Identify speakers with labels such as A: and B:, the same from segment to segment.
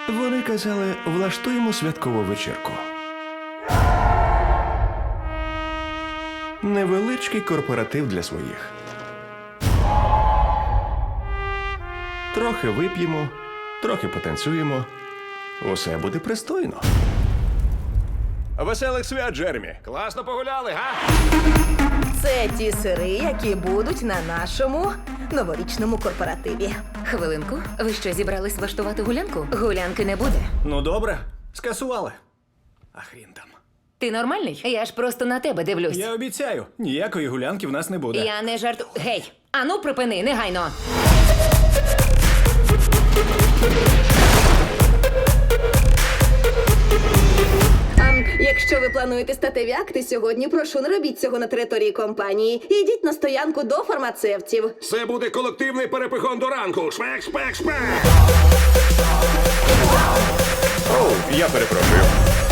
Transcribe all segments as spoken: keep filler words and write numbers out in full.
A: Вони казали, влаштуємо святкову вечірку. Невеличкий корпоратив для своїх. Трохи вип'ємо, трохи потанцюємо. Усе буде пристойно. Веселих свят, Джеремі!
B: Класно погуляли, га?
C: Це ті сири, які будуть на нашому новорічному корпоративі.
D: Хвилинку, ви що, зібрались влаштувати гулянку? Гулянки не буде.
B: Ну добре, скасували. А хрін там.
D: Ти нормальний? Я ж просто на тебе дивлюсь.
B: Я обіцяю, ніякої гулянки в нас не буде.
D: Я не жарту. Гей! Ану, припини, негайно.
C: А якщо ви плануєте статеві акти сьогодні, прошу, не робіть цього на території компанії. Ідіть на стоянку до фармацевтів.
E: Це буде колективний перепихон до ранку. Шпек, шпек, шпек.
A: Оу, я перепрошую.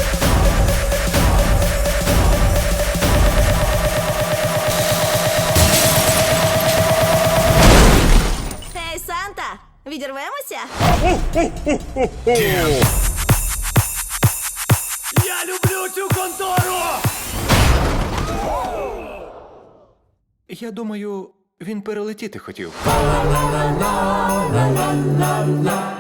C: Ей, Санта, відірвемося?
B: Я люблю цю контору!
A: Я думаю, він перелетіти хотів.